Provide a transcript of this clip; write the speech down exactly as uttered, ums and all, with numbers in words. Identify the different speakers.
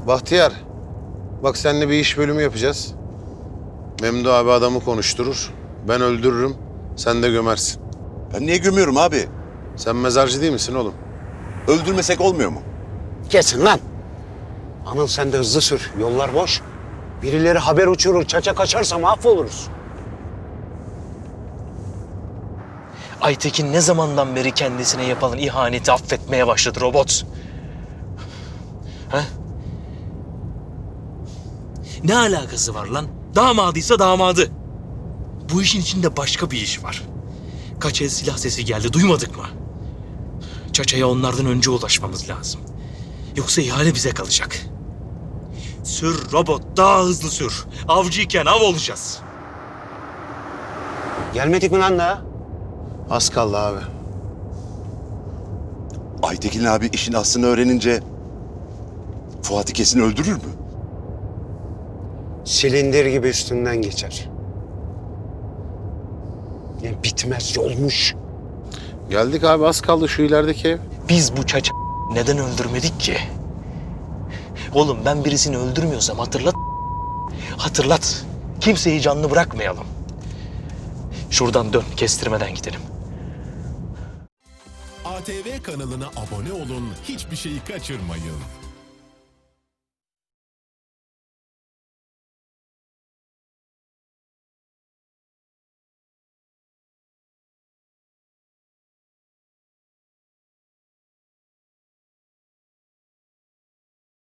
Speaker 1: Bahtiyar, bak seninle bir iş bölümü yapacağız. Memdu abi adamı konuşturur. Ben öldürürüm, sen de gömersin.
Speaker 2: Ben niye gömüyorum abi?
Speaker 1: Sen mezarcı değil misin oğlum?
Speaker 2: Öldürmesek olmuyor mu?
Speaker 3: Kesin lan. Anıl sen de hızlı sür. Yollar boş. Birileri haber uçurur, çaça kaçarsa mahvoluruz.
Speaker 4: Aytekin ne zamandan beri kendisine yapılan ihaneti affetmeye başladı robot? Ha? Ne alakası var lan? Damadıysa damadı. Bu işin içinde başka bir iş var. Kaç el silah sesi geldi, duymadık mı? Çaça'ya onlardan önce ulaşmamız lazım. Yoksa ihale bize kalacak. Sür robot, daha hızlı sür. Avcıyken av olacağız.
Speaker 3: Gelmedik mi lan daha?
Speaker 1: Az kaldı abi.
Speaker 2: Aytekin abi işin aslını öğrenince Fuat'ı kesin öldürür mü?
Speaker 3: Silindir gibi üstünden geçer. Ne bitmez yolmuş.
Speaker 1: Geldik abi, az kaldı şu ilerideki ev.
Speaker 4: Biz bu Çaça neden öldürmedik ki? Oğlum ben birisini öldürmüyorsam hatırlat. Hatırlat. Kimseyi canlı bırakmayalım. Şuradan dön, kestirmeden gidelim.
Speaker 5: A T V kanalına abone olun, hiçbir şeyi kaçırmayın.